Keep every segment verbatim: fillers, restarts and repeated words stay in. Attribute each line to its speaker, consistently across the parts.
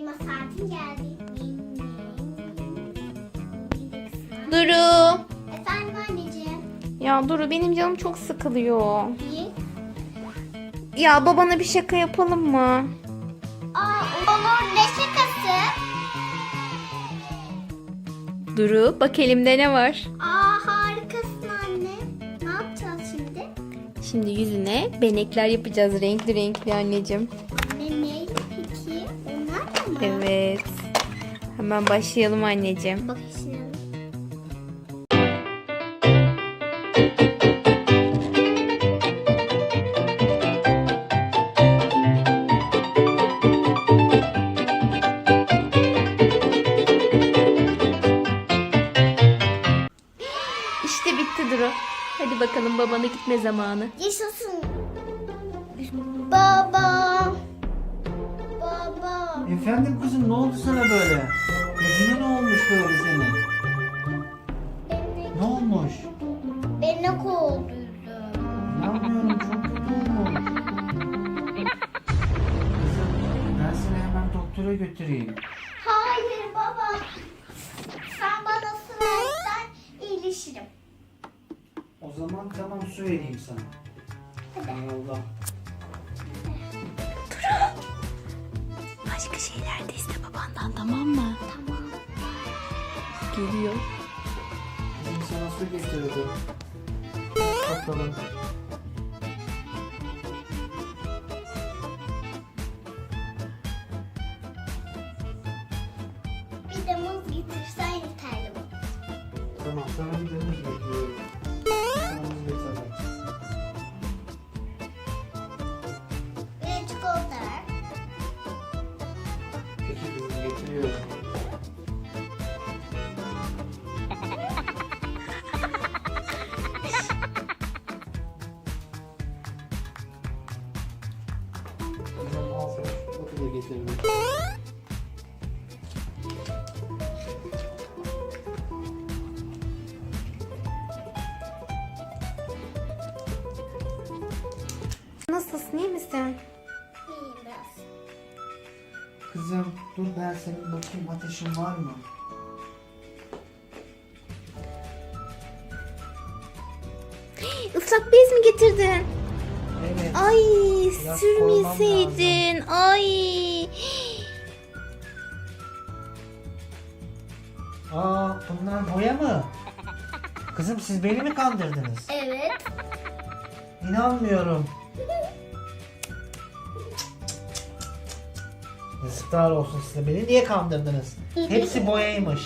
Speaker 1: uyuma saatin geldi.
Speaker 2: Duru.
Speaker 1: Efendim anneciğim.
Speaker 2: Ya Duru, benim canım çok sıkılıyor.
Speaker 1: İyi.
Speaker 2: Ya babana bir şaka yapalım mı?
Speaker 1: Aa, olur, ne şakası?
Speaker 2: Duru, bak elimde ne var?
Speaker 1: Aa, harikasın anne. Ne yapacağız şimdi?
Speaker 2: Şimdi yüzüne benekler yapacağız, renkli renkli anneciğim.
Speaker 1: Anne ne peki? Onlar da mı?
Speaker 2: Evet. Hemen başlayalım anneciğim.
Speaker 1: Bak şimdi.
Speaker 2: İşte bitti Duru. Hadi bakalım, babana gitme zamanı.
Speaker 1: Yaşasın. Baba. Baba.
Speaker 3: Efendim kızım, ne oldu sana böyle? Yüzüne ne olmuş böyle senin?
Speaker 1: Beni,
Speaker 3: Ne olmuş?
Speaker 1: beni kovduydu.
Speaker 3: İnanmıyorum, çok kötü olmuş. Kızım, ben seni hemen doktora götüreyim.
Speaker 1: Hayır baba. Sen bana su versen iyileşirim.
Speaker 3: O zaman tamam, su vereyim sana.
Speaker 1: Hadi.
Speaker 3: Allah.
Speaker 2: Başka şeyler de iste babandan, tamam mı?
Speaker 1: Tamam.
Speaker 2: Geliyor.
Speaker 3: Kızım, sana su getirdim. Bakalım.
Speaker 1: Bir de muz getirsen yeterli bu.
Speaker 3: Tamam, sana bir de muz getiriyorum. Sana muz getirdim.
Speaker 1: Ve çikolata ver.
Speaker 3: Peki kızım, getiriyorum. Kızım, al sana çikolata da getirdim.
Speaker 2: Nasılsın, iyi misin?
Speaker 1: İyiyim biraz.
Speaker 3: Kızım, dur ben senin bakayım, ateşin var mı?
Speaker 2: Islak bez mi getirdin?
Speaker 3: Evet.
Speaker 2: Ay,
Speaker 3: Biraz
Speaker 2: sürmeseydin. Ay.
Speaker 3: Aa, bunlar boya mı? Kızım, siz beni mi kandırdınız?
Speaker 1: Evet.
Speaker 3: İnanmıyorum. Yazıklar olsun size. Beni niye kandırdınız? Hepsi boyaymış.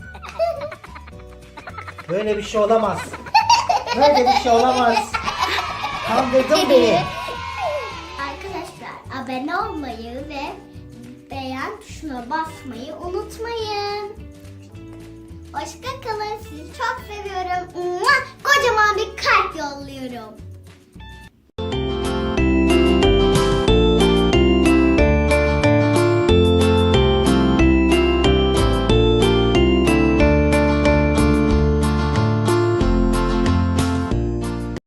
Speaker 3: Böyle bir şey olamaz. Böyle bir şey olamaz. Kandırdın beni.
Speaker 1: Arkadaşlar abone olmayı ve beğen tuşuna basmayı unutmayın. Hoşça kalın. Sizi çok seviyorum. Mua! Kocaman bir kalp yolluyorum.